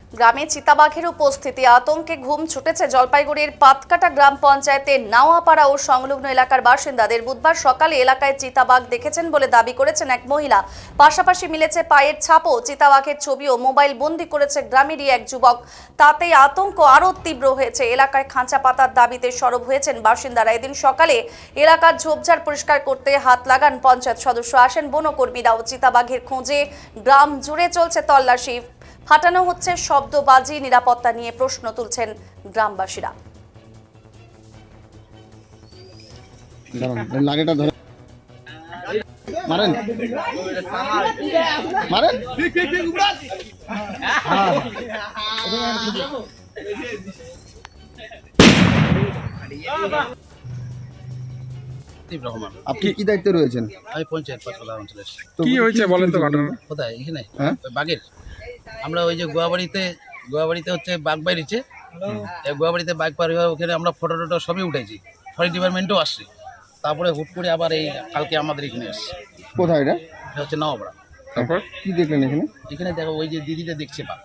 গ্রামে চিতাবাঘের উপস্থিতি আতঙ্কে ঘুম ছুটেছে জলপাইগুড়ির পাতকাটা গ্রাম পঞ্চায়েতের নাওয়াপাড়া ও সংলগ্ন এলাকার বাসিন্দাদের। বুধবার সকালে এলাকায় চিতাবাঘ দেখেছেন বলে দাবি করেছেন এক মহিলা। পাশাপাশি মিলেছে পায়ের ছাপও। চিতাবাঘের ছবিও মোবাইল বন্দি করেছে গ্রামেরই এক যুবক। তাতেই আতঙ্ক আরও তীব্র হয়েছে। এলাকায় খাঁচা পাতার দাবিতে সরব হয়েছেন বাসিন্দারা। এদিন সকালে এলাকার ঝোপঝাড় পরিষ্কার করতে হাত লাগান পঞ্চায়েত সদস্য। আসেন বনকর্মীরাও। চিতাবাঘের খোঁজে গ্রাম জুড়ে চলছে তল্লাশি। ফাটানো হচ্ছে শব্দবাজি। নিরাপত্তা নিয়ে প্রশ্ন তুলছেন গ্রামবাসীরা। লাগেটা ধরে মারেন মারেন আপনি কি দায়িত্বে রয়েছেন? আমি পঞ্চায়েত পাতলা অঞ্চলের। কি হয়েছে বলেন তো ঘটনা? কোথায়? এখানে হ্যাঁ? ওই বাঘের আমরা ওই যে গোয়াবাড়িতে হচ্ছে বাঘ বাইরেছে। গোয়াবাড়িতে বাঘ পার হয়ে ওখানে আমরা ফটো টটো সবই উঠেছি, ফরেস্ট ডিপার্টমেন্টও আসছে। তারপরে হুট করে আবার এই কালকে আমাদের এখানে আসছে। কোথায় এটা? এটা হচ্ছে নওয়াপাড়া। তারপর কি দেখলেন এখানে? এখানে দেখো ওই যে দিদিটা দেখছে বাঘ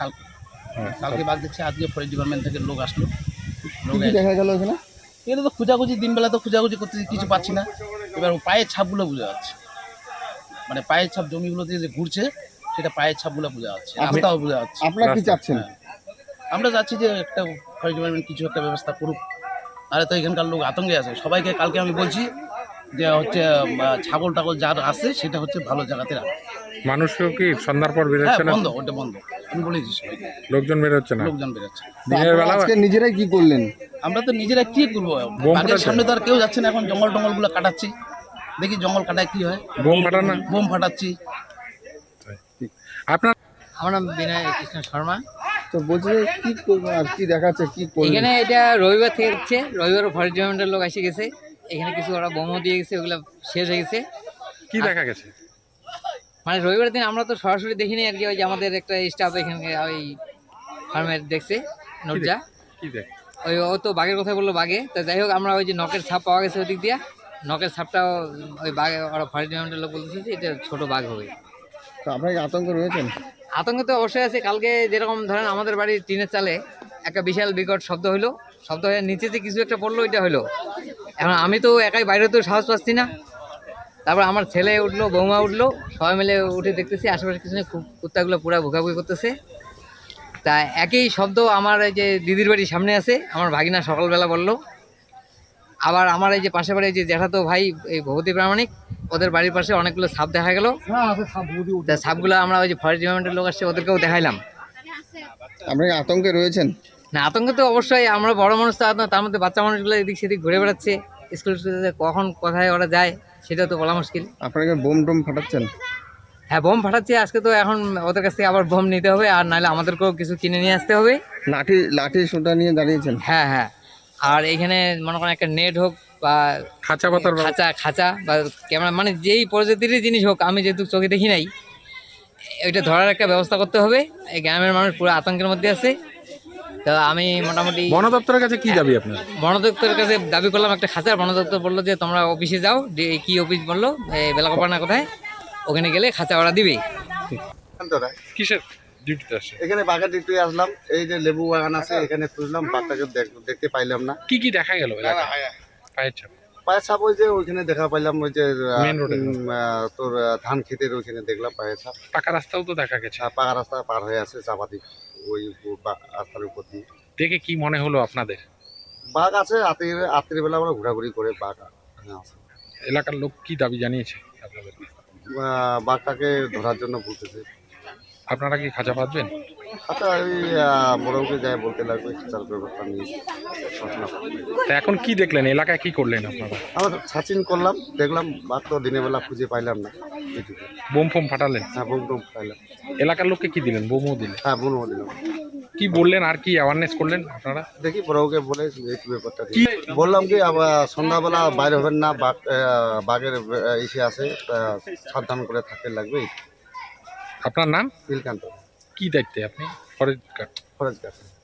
কালকে বাঘ দেখছে। আজকে ফরেস্ট ডিপার্টমেন্ট থেকে লোক আসলো। লোক কি দেখা গেল এখানে? এখানে তো খোঁজাখুঁজি, দিনবেলা তো খোঁজাখুঁজি করতে কিছু পাচ্ছি না। এবার পায়ের ছাপগুলো বোঝা যাচ্ছে, মানে পায়ের ছাপ জমিগুলোতে যে ঘুরছে সেটা পায়ের ছাপগুলো বোঝা যাচ্ছে, রাস্তাও বোঝা যাচ্ছে। আপনারা কি চাচ্ছেন? আমরা চাচ্ছি যে একটা ফরেস্ট ডিপার্টমেন্ট কিছু একটা ব্যবস্থা করুক। আরে তো এখানকার লোক আতঙ্কে আছে সবাইকে। কালকে আমি বলছি যে হচ্ছে ছাগল টাগল যার আছে সেটা হচ্ছে ভালো জায়গাতে রাখ। মানুষকেও কি সন্ধ্যার পর হ্যাঁ, বেরোচ্ছে না? বন্ধ, ওটা বন্ধ। আমি বলেছি সবাইকে, লোকজন বেরোচ্ছে না? লোকজন বেরোচ্ছে। দিনের বেলা আজকে নিজেরাই কি করলেন? আমরা তো নিজেরা কি করবো? বোম বাঘের ফাটাচ্ছে? সামনে তো আর কেউ যাচ্ছে না। এখন জঙ্গল টঙ্গলগুলো কাটাচ্ছি, দেখি জঙ্গল কাটায় কি হয়। বোম ফাটান না? বোম ফাটাচ্ছি। আপনার আমার নাম বিনয় কৃষ্ণ শর্মা। তো বলছি যে কি করবেন আর কি দেখাচ্ছে কি করবেন? এখানে এটা রবিবার থেকে হচ্ছে, রবিবার ফরেস্ট ডিপার্টমেন্টের লোক এসে গেছে। এখানে কিছু ওরা বোমও দিয়ে গেছে, ওগুলো শেষ হয়ে গেছে। কি দেখা গেছে? মানে রবিবার দিন আমরা তো সরাসরি দেখিনি আর কি, ওই যে আমাদের একটা স্টাফ এখানে ওই ফার্মের দেখছে, নুরজা। কি দেখ? ওই ও তো বাঘের কথা বললো, বাঘে তো যাই হোক, আমরা ওই যে নখের ছাপ পাওয়া গেছে ওই দিক দিয়ে, নখের ছাপটাও ওই বাঘে ওরা ফরেস্ট ডিপার্টমেন্টের লোক বলতেছে যে এটা ছোটো বাঘ হবে। তো আপনারা কি আতঙ্ক রয়েছেন? আতঙ্ক তো অবশ্যই আছে। কালকে যেরকম ধরেন আমাদের বাড়ির টিনের চালে একটা বিশাল বিকট শব্দ হলো, শব্দ হয়ে নিচে যে কিছু একটা পড়লো, এটা হলো। এখন আমি তো একাই বাইরে তো সাহস পাচ্ছি না। তারপর আমার ছেলে উঠলো, বৌমা উঠলো, সবাই মিলে উঠে দেখতেছি আশেপাশে কিছু নেই। কুত্তাগুলো পুরো ভুকাভুকি করতেছে। তা একই শব্দ আমার এই যে দিদির বাড়ির সামনে আছে, আমার ভাগিনা সকালবেলা বললো। আবার আমার এই যে পাশে বাড়ি যে জ্যাঠাতো ভাই এই ভগবতী প্রামাণিক, ওদের বাড়ির পাশে অনেকগুলো সাপ দেখা গেল। তা সাপগুলো আমরা ওই যে ফরেস্ট ডিপার্টমেন্টের লোক আসছে, ওদেরকেও দেখাইলাম। আপনারা কি আতঙ্কে রয়েছেন? না, আতঙ্ক তো অবশ্যই। আমরা বড় মানুষ তো আতঙ্ক, তার মধ্যে বাচ্চা মানুষগুলো এদিক সেদিক ঘুরে বেড়াচ্ছে। স্কুল কখন কোথায় ওরা যায় সেটা তো বলা মুশকিল। আপনারা কি বোম টোম ফাটাচ্ছেন? হ্যাঁ, বোম ফাটাচ্ছে আজকে। তো এখন ওদের কাছ থেকে আবার বোম নিতে হবে, আর নাহলে আমাদেরকেও কিছু কিনে নিয়ে আসতে হবে। লাঠি সোটা নিয়ে দাঁড়িয়েছেন? হ্যাঁ হ্যাঁ। আর এইখানে মনে করেন একটা নেট হোক বা খাঁচা পাতার খাঁচা বা ক্যামেরা, মানে যেই প্রজাতির জিনিস হোক, আমি যেহেতু চোখে দেখি নাই, ওইটা ধরার একটা ব্যবস্থা করতে হবে। এই গ্রামের মানুষ পুরো আতঙ্কের মধ্যে আছে। তো আমি মোটামুটি বন দপ্তরের কাছে কি দাবি আপনার? বন দপ্তরের কাছে দাবি করলাম একটা খাঁচার। বন দপ্তর বললো যে তোমরা অফিসে যাও। কি অফিস বললো? বেলাকোপানা কোথায়, ওখানে গেলে খাঁচা ওরা দিবে। কিসের ডিউটিতে আসে? এখানে বাঘের ডিউটি আসলাম। এই যে লেবু বাগান আছে, এখানে খুঁজলাম, বাঘটাকে দেখতে পাইলাম না। কি কি দেখা গেল এলাকায়? পায়ের ছাপ? পায়ের ছাপ ওই যে ওইখানে দেখা পাইলাম, ওই যে মেন রোডে তোর ধান ক্ষেতের ওইখানে দেখলাম পায়ের ছাপ। পাকা রাস্তাও তো দেখা গেছে। পাকা রাস্তা পার হয়ে আছে চাপাতি, ওই রাস্তার উপর দিয়ে। দেখে কি মনে হলো আপনাদের? বাঘ আছে, রাত্রির বেলা আমরা ঘোরাঘুরি করে বাঘ আছে। এলাকার লোক কি দাবি জানিয়েছে আপনাদের? বাঘটাকে ধরার জন্য বলতেছে। আপনারা কি খাঁচা পাতবেন? আচ্ছা, ওই বড়কে যায় বলতে লাগবে, খাঁচার ব্যবস্থা নিয়ে ঘোষণা করবে। তা এখন কি দেখলেন? এলাকায় কি করলেন আপনারা? আমরা সার্চিং করলাম, দেখলাম বাঘ তো দিনের বেলা খুঁজে পাইলাম না। এইটুকু। বোম ফোম ফাটালেন? হ্যাঁ, বোম টোম পাইলাম। এলাকার লোককে কি দিলেন? বোমও দিলেন? হ্যাঁ, বোমও দিলাম। কি বললেন আর কি অ্যাওয়ারনেস করলেন আপনারা? দেখি বড়কে বলে এই ব্যাপারটা বললাম কি, আবার সন্ধ্যাবেলা বাইরে হবেন না, বাঘের ইসে আছে, সাবধান করে থাকতে লাগবে। আপনার নাম? নীলকান্ত, কি দায়িত্বে আপনি? Forest guard? Forest guard.